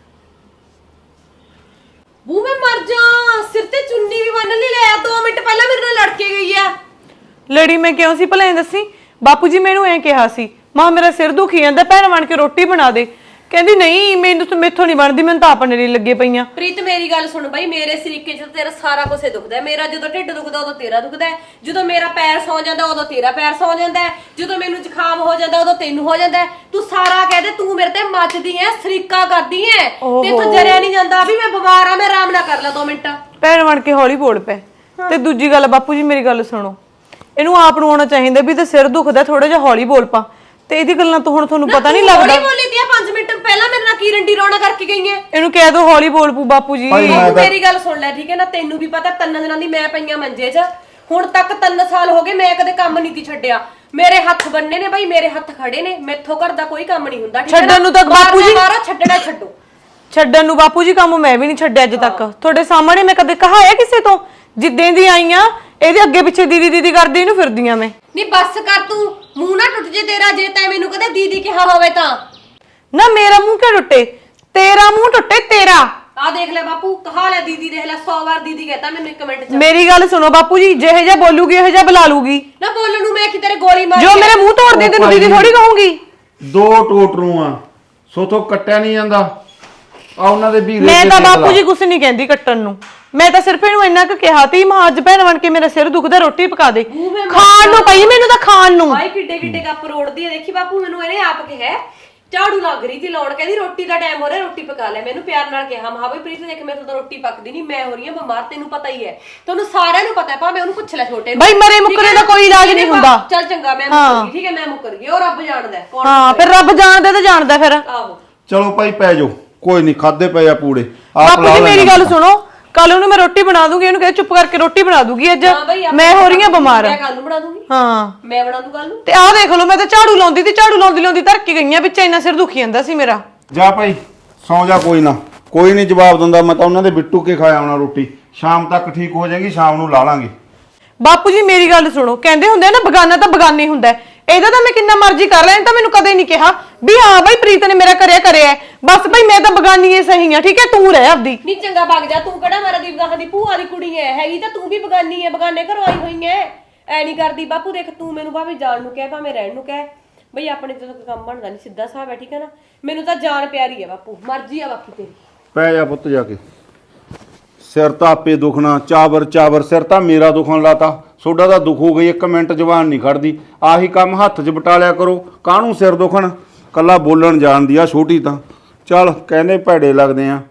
S1: ਬੂ ਮੈਂ ਮਰ ਜਾ, ਸਿਰ ਤੇ ਚੁੰਨੀ ਵੀ ਬੰਨ ਲਈ। ਲੈ 2 ਮਿੰਟ ਪਹਿਲਾਂ ਮੇਰੇ ਨਾਲ ਲੜ ਕੇ ਗਈ ਆ।
S2: ਲੜੀ ਮੈਂ ਕਿਉਂ ਸੀ ਭਲਾ ਇਹ ਦੱਸੀ? ਬਾਪੂ ਜੀ ਮੈਨੂੰ ਐ ਕਿਹਾ ਸੀ, ਮਾਂ ਮੇਰਾ ਸਿਰ ਦੁਖੀ ਜਾਂਦਾ, ਭੈਣ ਬਣ ਕੇ ਰੋਟੀ ਬਣਾ ਦੇ। ਕਹਿੰਦੀ ਨਹੀਂ ਮੈਨੂੰ ਤਾਂ ਮੇਥੋਂ ਨਹੀਂ ਬਣਦੀ, ਮੈਨੂੰ ਤਾਂ ਆਪਣੇ ਲਈ ਲੱਗੇ ਪਈਆਂ।
S1: ਪ੍ਰੀਤ ਮੇਰੀ ਗੱਲ ਸੁਣ ਬਾਈ, ਮੇਰੇ ਸਰੀਕੇ 'ਚ ਤੇਰਾ ਸਾਰਾ ਕੁਝ ਦੁਖਦਾ ਹੈ। ਮੇਰਾ ਜਦੋਂ ਢਿੱਡ ਦੁਖਦਾ ਉਦੋਂ ਤੇਰਾ ਦੁਖਦਾ ਹੈ, ਜਦੋਂ ਮੇਰਾ ਪੈਰ ਸੌ ਜਾਂਦਾ ਉਦੋਂ ਤੇਰਾ ਪੈਰ ਸੌ ਜਾਂਦਾ ਹੈ, ਜਦੋਂ ਮੈਨੂੰ ਜ਼ੁਕਾਮ ਹੋ ਜਾਂਦਾ ਉਦੋਂ ਤੈਨੂੰ ਹੋ ਜਾਂਦਾ ਹੈ। ਤੂੰ ਸਾਰਾ ਕਹਿ ਦੇ ਤੂੰ ਮੇਰੇ ਤੇ ਮੱਚਦੀ ਐ, ਸਰੀਕਾ ਕਰਦੀ ਐ, ਤੇਥੋਂ ਜਰਿਆ ਨਹੀਂ ਜਾਂਦਾ ਵੀ ਮੈਂ ਬਿਮਾਰ ਆ, ਮੈਂ ਆਰਾਮ ਨਾ ਕਰ ਲਾ 2 ਮਿੰਟ।
S2: ਭੈਣ ਬਣ ਕੇ ਹੌਲੀ ਬੋਲ ਪੈ। ਤੇ ਦੂਜੀ ਗੱਲ ਬਾਪੂ ਜੀ ਮੇਰੀ ਗੱਲ ਸੁਣੋ, ਇਹਨੂੰ ਆਪ ਨੂੰ ਆਉਣਾ ਚਾਹੀਦਾ ਵੀ ਤੇ ਸਿਰ ਦੁਖਦਾ, ਥੋੜਾ ਜਿਹਾ ਹੌਲੀ ਬੋਲ ਪਾ। ਤੇ ਇਹਦੀ ਗੱਲਾਂ ਤੋਂ ਹੁਣ ਤੁਹਾਨੂੰ ਪਤਾ ਨਹੀਂ ਲੱਗਦਾ?
S1: ਹੌਲੀ ਬੋਲੀ ਦੀਆਂ 5 ਮਿੰਟ ਪਹਿਲਾਂ ਮੇਰੇ ਨਾਲ ਕੀ ਰੰਡੀ ਰੌਣਾ ਕਰਕੇ ਗਈ ਐ।
S2: ਇਹਨੂੰ ਕਹਿ ਦੋ ਹੌਲੀ ਬੋਲ ਪੂ ਬਾਪੂ ਜੀ।
S1: ਤੂੰ ਮੇਰੀ ਗੱਲ ਸੁਣ ਲੈ ਠੀਕ ਹੈ ਨਾ, ਤੈਨੂੰ ਵੀ ਪਤਾ 3 ਦਿਨਾਂ ਦੀ ਮੈਂ ਪਈਆਂ ਮੰਜੇ 'ਚ। ਹੁਣ ਤੱਕ 3 ਸਾਲ ਹੋ ਗਏ ਮੈਂ ਕਦੇ ਕੰਮ ਨਹੀਂ ਤੀ ਛੱਡਿਆ। ਮੇਰੇ ਹੱਥ ਬੰਨੇ ਨੇ ਬਾਈ, ਮੇਰੇ ਹੱਥ ਖੜੇ ਨੇ, ਮੈਥੋਂ ਘਰ ਦਾ ਕੋਈ ਕੰਮ ਨਹੀਂ ਹੁੰਦਾ।
S2: ਛੱਡਣ ਨੂੰ ਤਾਂ ਬਾਪੂ ਜੀ
S1: ਮਾਰੋ, ਛੱਡਣਾ ਛੱਡੋ।
S2: ਛੱਡਣ ਨੂੰ ਬਾਪੂ ਜੀ ਕੰਮ ਮੈਂ ਵੀ ਨਹੀਂ ਛੱਡਿਆ ਅੱਜ ਤੱਕ। ਤੁਹਾਡੇ ਸਾਹਮਣੇ ਮੈਂ ਕਦੇ ਕਹਾਇਆ ਕਿਸੇ ਤੋਂ? ਜਿੱਦਾਂ ਦੀ ਆਈਆਂ ਇਹਦੇ ਅੱਗੇ ਪਿੱਛੇ ਦੀਦੀ ਦੀਦੀ ਕਰਦੀ ਇਹਨੂੰ ਫਿਰਦੀਆਂ ਮੈਂ।
S1: ਨਹੀਂ ਬੱਸ ਕਰ, ਤੂੰ ਮੂੰਹ ਨਾ ਟੁੱਟ ਜੇ ਤੇਰਾ, ਜੇ ਤੈਂ ਮੈਨੂੰ ਕਦੇ ਦੀਦੀ ਕਿਹਾ ਹੋਵੇ ਤਾਂ।
S2: ਨਾ ਮੇਰਾ ਮੂੰਹ ਕਿਉਂ ਟੁੱਟੇ? ਤੇਰਾ ਮੂੰਹ ਟੁੱਟੇ ਤੇਰਾ।
S1: ਆ ਦੇਖ ਲੈ ਬਾਪੂ, ਕਹਾ ਲੈ ਦੀਦੀ, ਦੇਖ ਲੈ 100 ਵਾਰ ਦੀਦੀ ਕਹਤਾ ਮੈਨੂੰ 1 ਮਿੰਟ 'ਚ।
S2: ਮੇਰੀ ਗੱਲ ਸੁਣੋ ਬਾਪੂ ਜੀ, ਜਿਹੇ ਜਿਹਾ ਬੋਲੂਗੀ ਇਹੋ ਜਿਹਾ ਬੁਲਾ ਲੂਗੀ।
S1: ਨਾ ਬੋਲਣ ਨੂੰ ਮੈਂ ਕਿ ਤੇਰੇ ਗੋਲੀ ਮਾਰ
S2: ਜੋ ਮੇਰੇ ਮੂੰਹ ਤੋੜ ਦੇ ਤੈਨੂੰ ਦੀਦੀ ਥੋੜੀ ਕਹੂੰਗੀ।
S3: 2 ਟੋਟਰੂ ਆ, ਸੋਥੋਂ ਕੱਟਿਆ ਨਹੀਂ ਜਾਂਦਾ ਆ ਉਹਨਾਂ ਦੇ ਵੀਰੇ।
S2: ਮੈਂ ਤਾਂ ਬਾਪੂ ਜੀ ਕੁਛ ਨਹੀਂ ਕਹਿੰਦੀ ਕੱਟਣ ਨੂੰ, ਮੈਂ ਤਾਂ ਸਿਰਫ ਇਹਨੂੰ ਇੰਨਾ ਕੁ ਕਿਹਾ ਤੀ ਮਾਂ ਅੱਜ ਭੈਣ ਬਣ ਕੇ ਮੇਰਾ ਸਿਰ ਦੁਖਦਾ, ਰੋਟੀ ਪਕਾ ਦੇ। ਖਾਣ ਨੂੰ ਪਈ ਮੈਨੂੰ ਤਾਂ ਖਾਣ ਨੂੰ।
S1: ਹਾਏ ਕਿੱਡੇ ਕਿੱਡੇ ਕੱਪ ਰੋੜਦੀ ਹੈ, ਦੇਖੀ ਬਾਪੂ ਮੈਨੂੰ ਇਹਨੇ ਆਪ ਕਿਹਾ। ਝਾੜੂ ਲੱਗ ਰਹੀ ਸੀ ਲਾਉਣ, ਕਹਿੰਦੀ ਰੋਟੀ ਦਾ ਟਾਈਮ ਹੋ ਰਿਹਾ, ਰੋਟੀ ਪਕਾ ਲੈ। ਮੈਨੂੰ ਪਿਆਰ ਨਾਲ ਕਿਹਾ, ਮਹਾ ਬਈ ਪ੍ਰੀਤ ਦੇਖ ਮੇਰੇ ਤੋਂ ਤਾਂ ਰੋਟੀ ਪੱਕਦੀ ਨਹੀਂ, ਮੈਂ ਹੋ ਰਹੀ ਹਾਂ ਬਿਮਾਰ, ਤੈਨੂੰ ਪਤਾ ਹੀ ਹੈ, ਤੁਹਾਨੂੰ ਸਾਰਿਆਂ ਨੂੰ ਪਤਾ ਹੈ। ਭਾਵੇਂ ਉਹਨੂੰ ਪੁੱਛ ਲੈ ਛੋਟੇ ਨੂੰ।
S2: ਬਈ ਮਰੇ ਮੁੱਕਰੇ ਦਾ ਕੋਈ ਇਲਾਜ ਨਹੀਂ ਹੁੰਦਾ।
S1: ਚੱਲ ਚੰਗਾ ਮੈਂ ਮੁੱਕਰ ਗਈ, ਠੀਕ ਹੈ ਮੈਂ ਮੁੱਕਰ ਗਈ, ਉਹ ਰੱਬ ਜਾਣਦਾ ਕੌਣ।
S2: ਹਾਂ ਫਿਰ ਰੱਬ ਜਾਣਦਾ ਤੇ ਜਾਣਦਾ ਫਿਰ।
S1: ਆਹੋ
S3: ਚਲੋ ਭਾਈ ਪੈ ਜਾਓ, ਕੋਈ ਨਹੀਂ, ਖਾਦੇ ਪਏ ਆ ਪੂੜੇ।
S2: ਬਾਪੂ
S3: ਲਾ
S2: ਜੀ ਮੇਰੀ
S3: ਲੈਣਾ।
S2: ਗੱਲ ਸੁਣੋ, ਕੱਲ ਉਹਨੂੰ ਮੈਂ ਰੋਟੀ ਬਣਾ ਦੂੰਗੀ, ਇਹਨੂੰ ਕਹੇ ਚੁੱਪ ਕਰਕੇ ਰੋਟੀ ਬਣਾ ਦੂੰਗੀ ਅੱਜ।
S1: ਹਾਂ ਬਈ,
S2: ਮੈਂ ਹੋ ਰਹੀ ਹਾਂ ਬਿਮਾਰ।
S1: ਮੈਂ ਕੱਲ ਨੂੰ ਬਣਾ ਦੂੰਗੀ।
S2: ਹਾਂ
S1: ਮੈਂ ਬਣਾ ਦੂੰ ਕੱਲ ਨੂੰ।
S2: ਤੇ ਆਹ ਦੇਖ ਲਓ, ਮੈਂ ਤਾਂ ਝਾੜੂ ਲਾਉਂਦੀ ਤੇ ਝਾੜੂ ਲਾਉਂਦੀ ਲਾਉਂਦੀ ਧਰ ਕੇ ਗਈਆਂ ਵਿੱਚ, ਇੰਨਾ ਸਿਰ ਦੁਖੀ ਜਾਂਦਾ ਸੀ ਮੇਰਾ।
S3: ਜਾ ਭਾਈ ਸੌਂ ਜਾ, ਕੋਈ ਨਾ, ਕੋਈ ਨਹੀਂ ਜਵਾਬ ਦਿੰਦਾ। ਮੈਂ ਤਾਂ ਉਹਨਾਂ ਦੇ ਬਿੱਟੂ ਕੇ ਖਾਇਆ ਆਉਣਾ ਰੋਟੀ, ਸ਼ਾਮ ਤੱਕ ਠੀਕ ਹੋ ਜਾਏਗੀ, ਸ਼ਾਮ ਨੂੰ ਲਾ ਲਾਂਗੇ।
S2: ਬਾਪੂ ਜੀ ਮੇਰੀ ਗੱਲ ਸੁਣੋ, ਕਹਿੰਦੇ ਹੁੰਦੇ ਆ ਨਾ ਬਗਾਨਾ ਤਾਂ ਬਗਾਨਾ ਹੀ ਹੁੰਦਾ ਹੈ। ਇਹਦਾ ਤਾਂ ਮੈਂ ਕਿੰਨਾ ਮਰਜ਼ੀ ਕਰ ਲਿਆ, ਇਹਨੇ ਤਾਂ ਮੈਨੂੰ ਕਦੇ ਨਹੀਂ ਕਿਹਾ ਵੀ ਹਾਂ ਬਾਈ ਪ੍ਰੀਤ ਨੇ ਮੇਰਾ ਕਰਿਆ। ਬਸ ਭਾਈ ਮੈਂ ਤਾਂ ਬਗਾਨੀ ਏ ਸਹੀ ਆ, ਠੀਕ ਹੈ, ਤੂੰ ਰਹਿ ਆਪਦੀ।
S1: ਨਹੀਂ ਚੰਗਾ ਵਗ ਜਾ, ਤੂੰ ਕਿਹੜਾ ਮਾਰਾ ਦੀ ਗਾਹਾਂ ਦੀ ਭੂਆ ਦੀ ਕੁੜੀ ਐ, ਹੈਗੀ ਤਾਂ ਤੂੰ ਵੀ ਬਗਾਨੀ ਐ, ਬਗਾਨੇ ਘਰੋਂ ਆਈ ਹੋਈ ਐ। ਐ ਨਹੀਂ ਕਰਦੀ ਬਾਪੂ, ਦੇਖ ਤੂੰ ਮੈਨੂੰ ਭਾਵੇਂ ਜਾਣ ਨੂੰ ਕਹਿ ਭਾਵੇਂ ਰਹਿਣ ਨੂੰ ਕਹਿ, ਬਈ ਆਪਣੇ ਤੇ ਤਾਂ ਕੰਮ ਬਣਦਾ ਨਹੀਂ, ਸਿੱਧਾ ਹਿਸਾਬ ਹੈ, ਠੀਕ ਹੈ ਨਾ। ਮੈਨੂੰ ਤਾਂ ਜਾਨ ਪਿਆਰੀ ਹੈ ਬਾਪੂ, ਮਰਜ਼ੀ ਆ ਬਾਕੀ ਤੇਰੀ।
S3: ਪੈ ਜਾ ਪੁੱਤ ਜਾ ਕੇ, ਸਿਰ ਤਾਂ ਆਪੇ ਦੁਖਣਾ, ਚਾਵਰ ਸਿਰ ਤਾਂ ਮੇਰਾ ਦੁਖਣ ਲਾਤਾ, ਸੋਡਾ ਤਾਂ ਦੁਖ ਹੋ ਗਈ, 1 ਮਿੰਟ ਜ਼ਬਾਨ ਨਹੀਂ ਖੜਦੀ। ਆਹੀ ਕੰਮ ਹੱਥ 'ਚ ਬਟਾਲਿਆ ਕਰੋ, ਕਾਹਨੂੰ ਸਿਰ ਦੁਖਣ, ਕੱਲਾ ਬੋਲਣ ਜਾਣਦੀ ਆ ਛੋਟੀ ਤਾਂ। ਚੱਲ ਕਹਿੰਦੇ ਭੈੜੇ ਲੱਗਦੇ ਆ।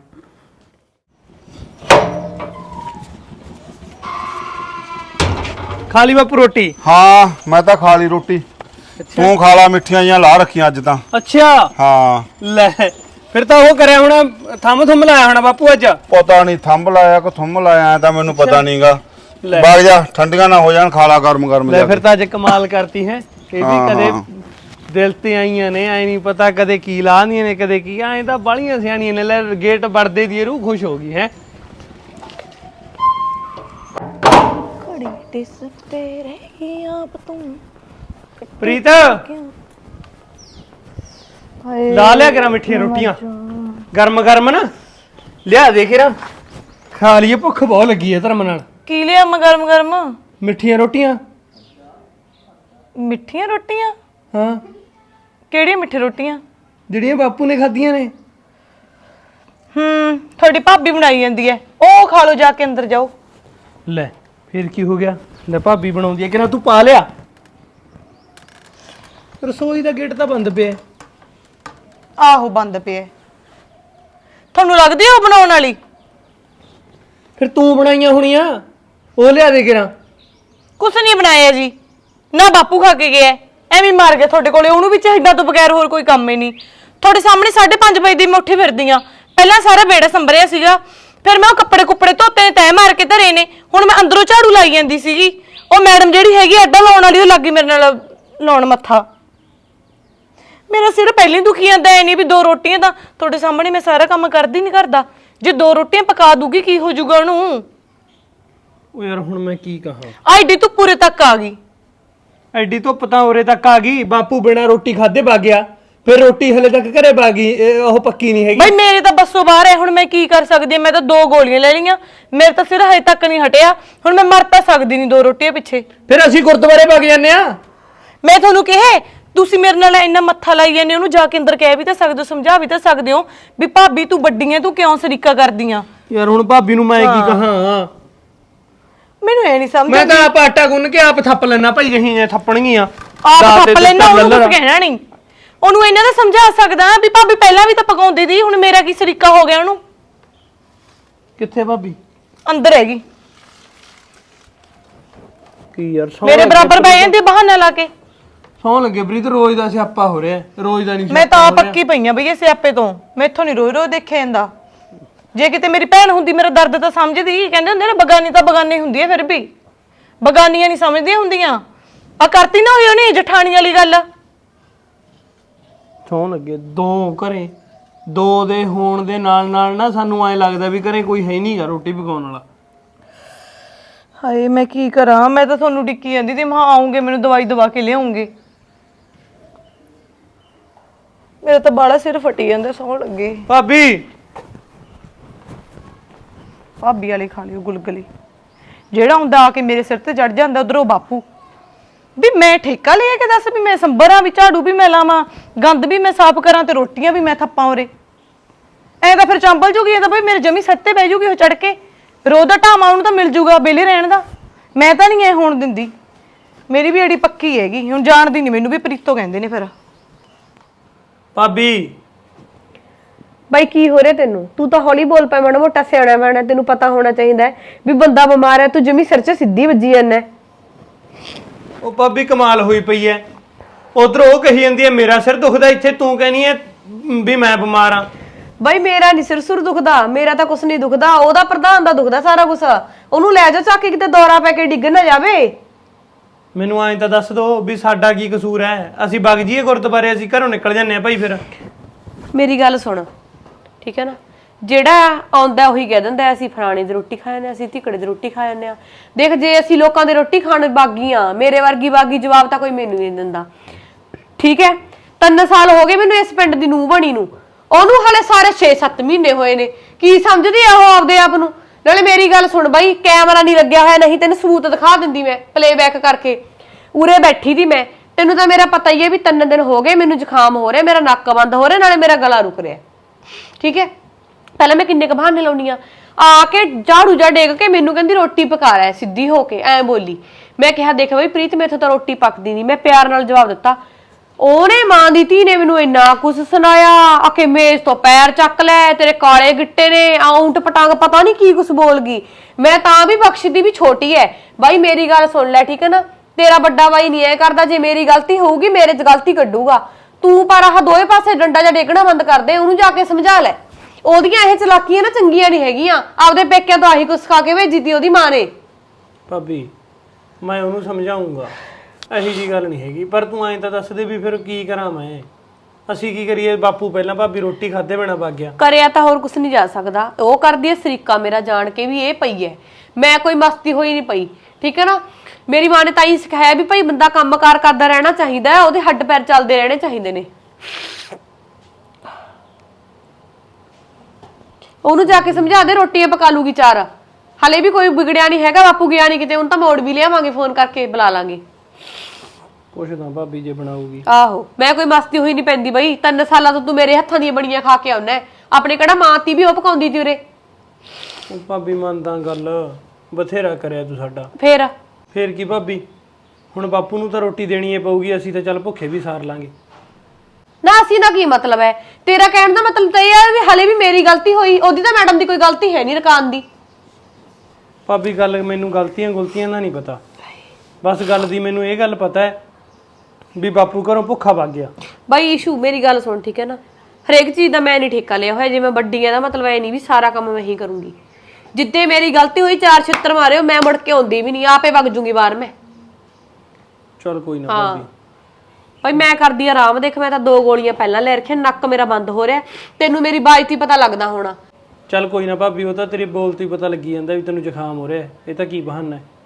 S4: ਖਾ ਲਈ ਬਾਪੂ ਰੋਟੀ?
S3: ਹਾਂ ਮੈਂ ਤਾਂ ਖਾ ਲਈ ਰੋਟੀ, ਤੂੰ ਖਾ ਲਾ, ਮਿੱਠੀਆਂ ਜੀਆਂ ਲਾ ਰੱਖੀਆਂ ਅੱਜ ਤਾਂ।
S4: ਅੱਛਾ
S3: ਹਾਂ
S4: ਲੈ, ਫਿਰ ਤਾਂ ਉਹ ਕਰਿਆ ਹੋਣਾ, ਥੰਮ ਲਾਇਆ ਹੋਣਾ ਬਾਪੂ ਅੱਜ।
S3: ਪਤਾ ਨਹੀਂ ਥੰਬ ਲਾਇਆ ਕਿ ਥੰਮ ਲਾਇਆ, ਤਾਂ ਮੈਨੂੰ ਪਤਾ ਨਹੀਂਗਾ।
S4: ਲੈ।
S3: ਬਾਗ ਜਾ, ਠੰਡੀਆਂ ਨਾ ਹੋ ਜਾਣ, ਖਾ ਲਾ ਗਰਮ
S4: ਲੈ
S3: ਜਾ
S4: ਫਿਰ
S3: ਕੇ।
S4: ਤਾਂ ਅੱਜ ਕਮਾਲ ਕਰਤੀ ਹੈ। ਇਹ ਵੀ ਕਦੇ ਦਿਲ ਤੇ ਆਈਆਂ ਨੇ, ਐ ਨਹੀਂ ਪਤਾ ਕਦੇ ਕੀ ਲਾਉਂਦੀਆਂ ਨੇ ਕਦੇ ਕੀ, ਐ ਤਾਂ ਬਾਲੀਆਂ ਸਿਆਣੀਆਂ ਨੇ। ਲੈ ਗੇਟ ਵੜਦੇ ਦੀ ਰੂਹ ਖੁਸ਼ ਹੋ ਗਈ ਹੈ।
S2: ਘੜੀ ਤੇ ਸੁੱਤੇ ਰਹੀ ਆਪ ਤੂੰ
S4: ਪ੍ਰੀਤ ਲਾ ਲਿਆ ਕਰਾਂ ਮਿੱਠੀਆਂ ਰੋਟੀਆਂ, ਗਰਮ ਨਾ ਲਿਆ ਦੇ ਕਰਾਂ, ਖਾ ਲਈਏ, ਭੁੱਖ ਬਹੁਤ ਲੱਗੀ ਹੈ ਧਰਮ ਨਾਲ।
S2: ਕੀ ਲਿਆ ਮੈਂ ਗਰਮ
S4: ਮਿੱਠੀਆਂ ਰੋਟੀਆਂ।
S2: ਮਿੱਠੀਆਂ ਰੋਟੀਆਂ?
S4: ਹਾਂ,
S2: ਕਿਹੜੀਆਂ ਮਿੱਠੀ ਰੋਟੀਆਂ?
S4: ਜਿਹੜੀਆਂ ਬਾਪੂ ਨੇ ਖਾਧੀਆਂ ਨੇ।
S2: ਤੁਹਾਡੀ ਭਾਬੀ ਬਣਾਈ ਜਾਂਦੀ ਹੈ, ਉਹ ਖਾ ਲਓ ਜਾ ਕੇ, ਅੰਦਰ ਜਾਓ।
S4: ਲੈ ਫਿਰ ਕੀ ਹੋ ਗਿਆ, ਲੈ ਭਾਬੀ ਬਣਾਉਂਦੀ ਹੈ, ਕਿਹਨਾਂ ਤੂੰ ਪਾ ਲਿਆ? ਰਸੋਈ ਦਾ ਗੇਟ ਤਾਂ ਬੰਦ ਪਿਆ।
S2: ਆਹੋ ਬੰਦ ਪਿਆ। ਤੁਹਾਨੂੰ ਲੱਗਦੀ ਆ ਉਹ ਬਣਾਉਣ ਵਾਲੀ?
S4: ਫਿਰ ਤੂੰ ਬਣਾਈਆਂ ਹੋਣੀਆਂ, ਉਹ ਲਿਆ ਦੇ ਕਿਰਾਂ।
S2: ਕੁਛ ਨਹੀਂ ਬਣਾਇਆ ਜੀ, ਨਾ ਬਾਪੂ ਖਾ ਕੇ ਗਿਆ, ਐਵੇਂ ਮਾਰ ਗਿਆ ਤੁਹਾਡੇ ਕੋਲੇ। ਉਹਨੂੰ ਵੀ ਚਾਹੀਦਾ ਤੋਂ ਬਗੈਰ ਹੋਰ ਕੋਈ ਕੰਮ ਹੀ ਨਹੀਂ। ਤੁਹਾਡੇ ਸਾਹਮਣੇ 5:30 ਵਜੇ ਦੀ ਮੈਂ ਉੱਠੀ ਫਿਰਦੀ ਆ। ਪਹਿਲਾਂ ਸਾਰਾ ਵਿਹੜਾ ਸੰਭਰਿਆ ਸੀਗਾ, ਫਿਰ ਮੈਂ ਉਹ ਕੱਪੜੇ ਕੁੱਪੜੇ ਧੋਤੇ ਨੇ, ਤੈਅ ਮਾਰ ਕੇ ਧਰੇ ਨੇ। ਹੁਣ ਮੈਂ ਅੰਦਰੋਂ ਝਾੜੂ ਲਾਈ ਜਾਂਦੀ ਸੀਗੀ, ਉਹ ਮੈਡਮ ਜਿਹੜੀ ਹੈਗੀ ਅੱਡਾ ਲਾਉਣ ਵਾਲੀ, ਉਹ ਲੱਗੀ ਮੇਰੇ ਨਾਲ ਲਾਉਣ ਮੱਥਾ। ਮੇਰਾ ਸਿਰ ਪਹਿਲਾਂ ਹੀ ਦੁਖੀ ਜਾਂਦਾ, ਐ ਨਹੀਂ ਵੀ 2 ਰੋਟੀਆਂ ਤਾਂ ਤੁਹਾਡੇ ਸਾਹਮਣੇ ਮੈਂ ਸਾਰਾ ਕੰਮ ਕਰਦੀ ਨਹੀਂ ਕਰਦਾ। ਜੇ 2 ਰੋਟੀਆਂ ਪਕਾ ਦੂਗੀ ਕੀ ਹੋ ਜਾਊਗਾ ਉਹਨੂੰ?
S4: ਉਹ ਯਾਰ ਹੁਣ ਮੈਂ ਕੀ ਕਹਾਂ,
S2: ਆਈਡੀ ਤੂੰ ਪੂਰੇ ਤੱਕ ਆ ਗਈ।
S4: ਐਡੀ ਧੁੱਪ ਤਾਂ ਉਰੇ ਤੱਕ ਆ ਗਈ, ਬਾਪੂ ਬਿਨਾਂ ਰੋਟੀ ਖਾਦੇ ਵਗ ਗਿਆ, ਫਿਰ ਰੋਟੀ ਹਲੇ ਤੱਕ ਘਰੇ ਵਗ ਗਈ, ਉਹ ਪੱਕੀ ਨਹੀਂ ਹੈਗੀ।
S2: ਬਈ ਮੇਰੇ ਤਾਂ ਬੱਸੋਂ ਬਾਹਰ ਹੈ, ਹੁਣ ਮੈਂ ਕੀ ਕਰ ਸਕਦੀ ਹਾਂ? ਮੈਂ ਤਾਂ 2 ਗੋਲੀਆਂ ਲੈ ਲਈਆਂ, ਮੇਰੇ ਤਾਂ ਸਿਰ ਹਜੇ ਤੱਕ ਨਹੀਂ ਹਟਿਆ। ਹੁਣ ਮੈਂ ਮਰ ਤਾਂ ਸਕਦੀ ਨਹੀਂ 2 ਰੋਟੀਆਂ ਪਿੱਛੇ।
S4: ਫਿਰ ਅਸੀਂ ਗੁਰਦੁਆਰੇ ਵਗ ਜਾਂਦੇ ਆ।
S2: ਮੈਂ ਤੁਹਾਨੂੰ ਕਿਹਾ, ਤੁਸੀਂ ਮੇਰੇ ਨਾਲ ਇੰਨਾ ਮੱਥਾ ਲਾਈ ਜਾਂਦੇ, ਉਹਨੂੰ ਜਾ ਕੇ ਅੰਦਰ ਕਹਿ ਵੀ ਤਾਂ ਸਕਦੇ ਹੋ, ਸਮਝਾ ਵੀ ਤਾਂ ਸਕਦੇ ਹੋ ਵੀ ਭਾਬੀ ਤੂੰ ਵੱਡੀ ਐ, ਤੂੰ ਕਿਉਂ ਸਰੀਕਾ ਕਰਦੀ ਆ?
S4: ਯਾਰ ਹੁਣ ਭਾਬੀ ਨੂੰ ਮੈਂ ਕੀ ਕਹਾਂ,
S2: ਮੈਨੂੰ ਇਹ ਨਹੀਂ ਸਮਝ
S4: ਮੈਂ ਤਾਂ ਆਪ ਆਟਾ ਗੁੰਨ ਕੇ ਆਪ ਥੱਪ ਲੈਣਾ ਭਾਈ, ਜਹੀਂ ਥੱਪਣਗੀਆਂ
S2: ਆਪ ਥੱਪ ਲੈਣਾ, ਉਹਨੂੰ ਕੁਝ ਕਹਿਣਾ ਨਹੀਂ। ਉਹਨੂੰ ਇਹਨਾਂ ਦਾ ਸਮਝਾ ਸਕਦਾ ਵੀ ਭਾਬੀ ਪਹਿਲਾਂ ਵੀ ਤਾਂ ਪਕਾਉਂਦੀ ਸੀ, ਹੁਣ ਮੇਰਾ ਕੀ ਸਰੀਕਾ ਹੋ ਗਿਆ ਉਹਨੂੰ?
S4: ਕਿੱਥੇ ਭਾਬੀ?
S2: ਅੰਦਰ ਹੈਗੀ।
S4: ਕੀ ਯਾਰ
S2: ਮੇਰੇ ਬਰਾਬਰ ਬਹਿ ਜਾਂਦੇ ਬਹਾਨਾ ਲਾ ਕੇ।
S4: ਸੌਂ ਲੱਗੇ ਪ੍ਰੀਤ, ਰੋਜ਼ ਦਾ ਸਿਆਪਾ ਹੋ ਰਿਹਾ, ਰੋਜ਼ ਦਾ ਨਹੀਂ।
S2: ਮੈਂ ਤਾਂ ਪੱਕੀ ਪਈਆਂ ਬਈ ਇਹ ਸਿਆਪੇ ਤੋਂ, ਮੈਥੋਂ ਨਹੀਂ ਰੋਜ਼ ਰੋਜ਼ ਦੇਖਿਆ ਜਾਂਦਾ। ਜੇ ਕਿਤੇ ਮੇਰੀ ਭੈਣ ਹੁੰਦੀ ਮੇਰਾ ਦਰਦ ਤਾਂ ਸਮਝਦੀ। ਕਹਿੰਦੇ ਹੁੰਦੇ ਨਾ ਬਗਾਨੀ ਤਾਂ ਬਗਾਨੀ ਹੁੰਦੀ ਹੈ, ਫਿਰ ਵੀ ਬਗਾਨੀਆਂ ਨਹੀਂ ਸਮਝਦੀਆਂ ਹੁੰਦੀਆਂ। ਆ ਕਰਤੀ ਨਾ ਹੋਈ ਉਹਨੇ ਜਠਾਣੀ ਵਾਲੀ ਗੱਲ।
S4: ਸੌਂ ਲੱਗੇ 2 ਘਰੇ, 2 ਦੇ ਹੋਣ ਦੇ ਨਾਲ ਨਾ ਸਾਨੂੰ ਐ ਲੱਗਦਾ ਵੀ ਘਰੇ ਕੋਈ ਹੈ ਨਹੀਂਗਾ ਰੋਟੀ ਪਕਾਉਣ ਵਾਲਾ।
S2: ਹਾਏ ਮੈਂ ਕੀ ਕਰਾਂ, ਮੈਂ ਤਾਂ ਤੁਹਾਨੂੰ ਡਿੱਕੀ ਜਾਂਦੀ ਤੇ ਮੈਂ ਆਉਂਗੇ, ਮੈਨੂੰ ਦਵਾਈ ਦਵਾ ਕੇ ਲਿਆਉਂਗੇ। ਮੇਰਾ ਤਾਂ ਬਾਲਾ ਸਿਰ ਫਟੀ ਜਾਂਦਾ, ਸੌਣ ਲੱਗੇ।
S4: ਭਾਬੀ
S2: ਭਾਬੀ ਵਾਲੇ ਖਾ ਲਿਓ ਗੁਲਗੁਲੇ। ਜਿਹੜਾ ਹੁੰਦਾ ਆ ਕੇ ਮੇਰੇ ਸਿਰ ਤੇ ਚੜ ਜਾਂਦਾ ਉਧਰੋਂ ਬਾਪੂ। ਵੀ ਮੈਂ ਠੇਕਾ ਲਿਆ ਕੇ ਦੱਸ ਵੀ ਮੈਂ ਸੰਭਰਾਂ ਵੀ ਝਾੜੂ ਵੀ ਮੈਂ ਲਾਵਾਂ, ਗੰਦ ਵੀ ਮੈਂ ਸਾਫ਼ ਕਰਾਂ ਤੇ ਰੋਟੀਆਂ ਵੀ ਮੈਂ ਥੱਪਾਂ ਉਰੇ। ਐ ਤਾਂ ਫਿਰ ਚੰਬਲ ਜੂਗੀ, ਇਹ ਤਾਂ ਬਈ ਮੇਰੇ ਜਮੀ ਸੱਤੇ ਬਹਿ ਜੂਗੀ ਉਹ ਚੜ ਕੇ। ਰੋਜ਼ ਦਾ ਢਾਮਾ ਉਹਨੂੰ ਤਾਂ ਮਿਲ ਜੂਗਾ ਬੇਲੇ ਰਹਿਣ ਦਾ। ਮੈਂ ਤਾਂ ਨਹੀਂ ਐ ਹੋਣ ਦਿੰਦੀ, ਮੇਰੀ ਵੀ ਅੜੀ ਪੱਕੀ ਹੈਗੀ। ਹੁਣ ਜਾਣਦੀ ਨਹੀਂ ਮੈਨੂੰ ਵੀ ਪ੍ਰੀਤੋ ਕਹਿੰਦੇ ਨੇ। ਫਿਰ
S4: ਭਾਬੀ
S1: ਬਾਈ ਕੀ ਹੋ ਰਿਹਾ ਤੈਨੂੰ? ਤੂੰ ਤਾਂ ਹੌਲੀ ਬੋਲ ਪੈ, ਮਾੜਾ ਮੋਟਾ ਸਿਆਣਾ ਬਣਾ, ਤੈਨੂੰ ਪਤਾ ਹੋਣਾ ਚਾਹੀਦਾ ਵੀ ਬੰਦਾ ਬਿਮਾਰ ਹੈ, ਤੂੰ ਜਮੀ ਸਿਰ 'ਚ ਸਿੱਧੀ ਵੱਜੀ ਜਾਂਦਾ।
S4: ਉਹ ਭਾਬੀ ਕਮਾਲ ਹੋਈ ਪਈ ਐ, ਉਧਰ ਉਹ ਕਹੀ ਜਾਂਦੀ ਐ ਮੇਰਾ ਸਿਰ ਦੁਖਦਾ, ਇੱਥੇ ਤੂੰ ਕਹਿੰਦੀ ਐ ਵੀ ਮੈਂ ਬਿਮਾਰ ਆ।
S1: ਬਾਈ ਮੇਰਾ ਨਹੀਂ ਸਿਰ ਸੁਰ ਦੁਖਦਾ, ਮੇਰਾ ਤਾਂ ਕੁਛ ਨਹੀਂ ਦੁਖਦਾ, ਉਹਦਾ ਪ੍ਰਧਾਨ ਦਾ ਦੁਖਦਾ ਸਾਰਾ ਕੁਛ। ਉਹਨੂੰ ਲੈ ਜਾ ਚੱਕ ਕੇ ਕਿਤੇ ਦੌਰਾ ਪੈ ਕੇ ਡਿੱਗ ਨਾ ਜਾਵੇ।
S4: ਮੈਨੂੰ ਐਂ ਤਾਂ ਦੱਸ ਦੋ ਵੀ ਸਾਡਾ ਕੀ ਕਸੂਰ ਹੈ? ਅਸੀਂ ਵਗ ਜੀਏ ਗੁਰਦੁਆਰੇ, ਅਸੀਂ ਘਰੋਂ ਨਿਕਲ ਜਾਂਦੇ ਆ ਭਾਈ ਫਿਰ।
S1: ਮੇਰੀ ਗੱਲ ਸੁਣ, ਠੀਕ ਹੈ ਨਾ? ਜਿਹੜਾ ਆਉਂਦਾ ਉਹੀ ਕਹਿ ਦਿੰਦਾ ਅਸੀਂ ਫਲਾਣੇ ਦੀ ਰੋਟੀ ਖਾ ਜਾਂਦੇ ਆ, ਅਸੀਂ ਧਿਕੜੇ ਦੀ ਰੋਟੀ ਖਾ ਜਾਂਦੇ ਆ। ਦੇਖ ਜੇ ਅਸੀਂ ਲੋਕਾਂ ਦੀ ਰੋਟੀ ਖਾਣ ਬਾਗੀਆਂ, ਮੇਰੇ ਵਰਗੀ ਬਾਗੀ ਜਵਾਬ ਤਾਂ ਕੋਈ ਮੈਨੂੰ ਨਹੀਂ ਦਿੰਦਾ, ਠੀਕ ਹੈ? 3 ਸਾਲ ਹੋ ਗਏ ਮੈਨੂੰ ਇਸ ਪਿੰਡ ਦੀ ਨੂੰਹ ਬਣੀ ਨੂੰ, ਉਹਨੂੰ ਹਲੇ ਸਾਰੇ 6-7 ਮਹੀਨੇ ਹੋਏ ਨੇ। ਕੀ ਸਮਝਦੀ ਆ ਉਹ ਆਪਦੇ ਆਪ ਨੂੰ? ਨਾਲੇ ਮੇਰੀ ਗੱਲ ਸੁਣ ਬਾਈ, ਕੈਮਰਾ ਨਹੀਂ ਲੱਗਿਆ ਹੋਇਆ, ਨਹੀਂ ਤੈਨੂੰ ਸਬੂਤ ਦਿਖਾ ਦਿੰਦੀ ਮੈਂ ਪਲੇਬੈਕ ਕਰਕੇ। ਉਰੇ ਬੈਠੀ ਦੀ ਮੈਂ, ਤੈਨੂੰ ਤਾਂ ਮੇਰਾ ਪਤਾ ਹੀ ਹੈ ਵੀ 3 ਦਿਨ ਹੋ ਗਏ ਮੈਨੂੰ ਜ਼ੁਕਾਮ ਹੋ ਰਿਹਾ, ਮੇਰਾ ਨੱਕ ਬੰਦ ਹੋ ਰਿਹਾ, ਨਾਲੇ ਮੇਰਾ ਗਲਾ ਰੁਕ ਰਿਹਾ, ਠੀਕ ਹੈ? ਪਹਿਲਾਂ ਮੈਂ ਕਿੰਨੇ ਕੁ ਬਹਾਨੇ ਲਾਉਣੀ ਆ ਕੇ ਝਾੜੂ ਜਾ ਡੇਗ ਕੇ ਮੈਨੂੰ ਕਹਿੰਦੀ ਰੋਟੀ ਪਕਾ ਰਿਹਾ, ਸਿੱਧੀ ਹੋ ਕੇ ਐ ਬੋਲੀ। ਮੈਂ ਕਿਹਾ ਦੇਖ ਬਈ ਪ੍ਰੀਤ, ਮੈਥੋਂ ਤਾਂ ਰੋਟੀ ਪੱਕਦੀ ਨਹੀਂ। ਮੈਂ ਪਿਆਰ ਨਾਲ ਜਵਾਬ ਦਿੱਤਾ। ਉਹਨੇ ਮਾਂ ਦੀ ਧੀ ਨੇ ਮੈਨੂੰ ਇੰਨਾ ਕੁਛ ਸੁਣਾਇਆ, ਆਕੇ ਮੇਜ਼ ਤੋਂ ਪੈਰ ਚੱਕ ਲੈ, ਤੇਰੇ ਕਾਲੇ ਗਿੱਟੇ ਨੇ, ਆਉਂਟ ਪਟਾਂਗ ਪਤਾ ਨਹੀਂ ਕੀ ਕੁਛ ਬੋਲ ਗਈ। ਮੈਂ ਤਾਂ ਵੀ ਬਖਸ਼ਦੀ ਵੀ ਛੋਟੀ ਐ। ਬਾਈ ਮੇਰੀ ਗੱਲ ਸੁਣ ਲੈ, ਠੀਕ ਹੈ ਨਾ? ਤੇਰਾ ਵੱਡਾ ਬਾਈ ਨਹੀਂ ਐ ਕਰਦਾ, ਜੇ ਮੇਰੀ ਗਲਤੀ ਹੋਊਗੀ ਮੇਰੇ 'ਚ ਗਲਤੀ ਕੱਢੂਗਾ। ਤੂੰ ਪਰ ਆਹ ਦੋਵੇਂ ਪਾਸੇ ਡੰਡਾ ਜਾਂ ਡੇਗਣਾ ਬੰਦ ਕਰ ਦੇ, ਉਹਨੂੰ ਜਾ ਕੇ ਸਮਝਾ ਲੈ। ਉਹਦੀਆਂ ਇਹ ਚਲਾਕੀਆਂ ਨਾ ਚੰਗੀਆਂ ਨਹੀਂ ਹੈਗੀਆਂ, ਆਪਦੇ ਪੇਕਿਆਂ ਤੋਂ ਆਹੀ ਕੁਛ ਖਾ ਕੇ ਭੇਜੀ ਤੀ ਉਹਦੀ ਮਾਂ ਨੇ।
S4: ਭਾਬੀ ਮੈਂ ਉਹਨੂੰ ਸਮਝਾਉਂਗਾ, ਇਹੀ ਜੀ ਗੱਲ ਨਹੀਂ ਹੈਗੀ, ਪਰ ਤੂੰ ਐਂ ਤਾਂ ਦੱਸ ਦੇ ਵੀ ਫਿਰ ਕੀ ਕਰਾਂ ਮੈਂ? ਅਸੀਂ ਕੀ ਕਰੀਏ? ਬਾਪੂ ਪਹਿਲਾਂ ਭਾਬੀ ਰੋਟੀ ਖਾਦੇ ਬਿਨਾ ਵਗ ਗਿਆ।
S1: ਕਰਿਆ ਤਾਂ ਹੋਰ ਕੁਛ ਨਹੀਂ ਜਾ ਸਕਦਾ। ਉਹ ਕਰਦੀ ਐ ਸਰੀਕਾ ਮੇਰਾ, ਜਾਣ ਕੇ ਵੀ ਇਹ ਪਈ ਐ। ਮੈਂ ਕੋਈ ਮਸਤੀ ਹੋਈ ਨਹੀਂ ਪਈ, ਠੀਕ ਹੈ ਨਾ? ਮੇਰੀ ਮਾਂ ਨੇ ਤਾਂ ਹੀ ਸਿਖਾਇਆ ਵੀ ਭਾਈ ਬੰਦਾ ਕੰਮਕਾਰ ਕਰਦਾ ਰਹਿਣਾ ਚਾਹੀਦਾ ਹੈ, ਉਹਦੇ ਹੱਡ ਪੈਰ ਚੱਲਦੇ ਰਹਿਣੇ ਚਾਹੀਦੇ ਨੇ। ਉਹਨੂੰ ਜਾ ਕੇ ਸਮਝਾ ਦੇ, ਰੋਟੀਆਂ ਪਕਾ ਲੂਗੀ 4। ਹਲੇ ਵੀ ਕੋਈ ਵਿਗੜਿਆ ਨਹੀਂ ਹੈਗਾ, ਬਾਪੂ ਗਿਆ ਨਹੀਂ ਕਿਤੇ, ਉਹਨੂੰ ਤਾਂ ਮੋੜ ਵੀ ਲਿਆਵਾਂਗੇ, ਫੋਨ ਕਰਕੇ ਬੁਲਾ ਲਾਂਗੇ।
S4: ਪੁੱਛਦਾ ਭਾਬੀ ਜੇ ਬਣਾਉਗੀ।
S1: ਆਹੋ ਮੈਂ ਕੋਈ ਮਸਤੀ ਹੋਈ ਨਹੀਂ ਪੈਂਦੀ ਬਈ। 3 ਸਾਲਾਂ ਤੋਂ ਤੂੰ ਮੇਰੇ ਹੱਥਾਂ ਦੀਆਂ ਬਣੀਆਂ ਖਾ ਕੇ ਆਉਣਾ। ਆਪਣੇ ਕਿਹੜਾ ਮਾਂ ਤੀ ਵੀ ਉਹ ਪਕਾਉਂਦੀ ਤੀ ਉਰੇ।
S4: ਉਹ ਭਾਬੀ ਮੰਨਦਾ ਗੱਲ, ਬਥੇਰਾ ਕਰਿਆ ਤੂੰ ਸਾਡਾ।
S1: ਫੇਰ
S4: ਕੀ ਭਾਬੀ, ਹੁਣ ਬਾਪੂ ਨੂੰ ਤਾਂ ਰੋਟੀ ਦੇਣੀ ਏ ਪਊਗੀ, ਅਸੀਂ ਤਾਂ ਚੱਲ ਭੁੱਖੇ ਵੀ ਸਾਰ ਲਾਂਗੇ
S1: ਨਾ। ਅਸੀਂ ਦਾ ਕੀ ਮਤਲਬ ਹੈ? ਤੇਰਾ ਕਹਿਣ ਦਾ ਮਤਲਬ ਤਾਂ ਇਹ ਹੈ ਵੀ ਹਲੇ ਵੀ ਮੇਰੀ ਗਲਤੀ ਹੋਈ, ਉਹਦੀ ਤਾਂ ਮੈਡਮ ਦੀ ਕੋਈ ਗਲਤੀ ਹੈ ਨਹੀਂ ਰਕਾਨ ਦੀ।
S4: ਭਾਬੀ ਗੱਲ ਮੈਨੂੰ ਗਲਤੀਆਂ ਦਾ ਨਹੀਂ ਪਤਾ, ਬਸ ਗੱਲ ਦੀ ਮੈਨੂੰ ਇਹ ਗੱਲ ਪਤਾ ਹੈ ਵੀ ਬਾਪੂ ਘਰੋਂ ਭੁੱਖਾ ਵਗ ਗਿਆ।
S1: ਬਾਈ ਇਸ਼ੂ ਮੇਰੀ ਗੱਲ ਸੁਣ, ਠੀਕ ਹੈ ਨਾ? ਹਰੇਕ ਚੀਜ਼ ਦਾ ਮੈਂ ਨਹੀਂ ਠੇਕਾ ਲਿਆ ਹੋਇਆ। ਜੇ ਮੈਂ ਵੱਡੀ ਆ ਦਾ ਮਤਲਬ ਇਹ ਨਹੀਂ ਵੀ ਸਾਰਾ ਕੰਮ ਮੈਂ ਹੀ ਕਰੂੰਗੀ। ਜਿੱਦੇ ਮੇਰੀ ਗਲਤੀ ਹੋਈ 4 ਛਿੱਤਰ ਮਾਰਿਓ, ਮੈਂ ਮੁੜ ਕੇ ਆਉਂਦੀ ਵੀ ਨਹੀਂ, ਆਪੇ ਵਗ ਜੂੰਗੀ ਬਾਹਰ ਮੈਂ।
S4: ਚਲ ਕੋਈ ਨਾ ਭਾਬੀ।
S1: ਭਾਈ ਮੈਂ ਕਰਦੀ ਆਰਾਮ। ਦੇਖ ਮੈਂ ਤਾਂ 2 ਗੋਲੀਆਂ ਪਹਿਲਾਂ ਲੈ ਰੱਖੀਆਂ, ਨੱਕ ਮੇਰਾ ਬੰਦ ਹੋ ਰਿਹਾ, ਤੈਨੂੰ ਮੇਰੀ ਬਾਜ਼ਤੀ ਪਤਾ ਲੱਗਦਾ ਹੋਣਾ।
S4: ਚੱਲ ਕੋਈ ਨਾ ਭਾਬੀ, ਉਹ ਤਾਂ ਤੇਰੇ ਬੋਲ ਤੋਂ ਹੀ ਪਤਾ ਲੱਗੀ ਜਾਂਦਾ ਵੀ ਤੈਨੂੰ ਜ਼ੁਕਾਮ ਹੋ ਰਿਹਾ, ਇਹ ਤਾਂ ਕੀ ਬਹਾਨਾ ਹੈ।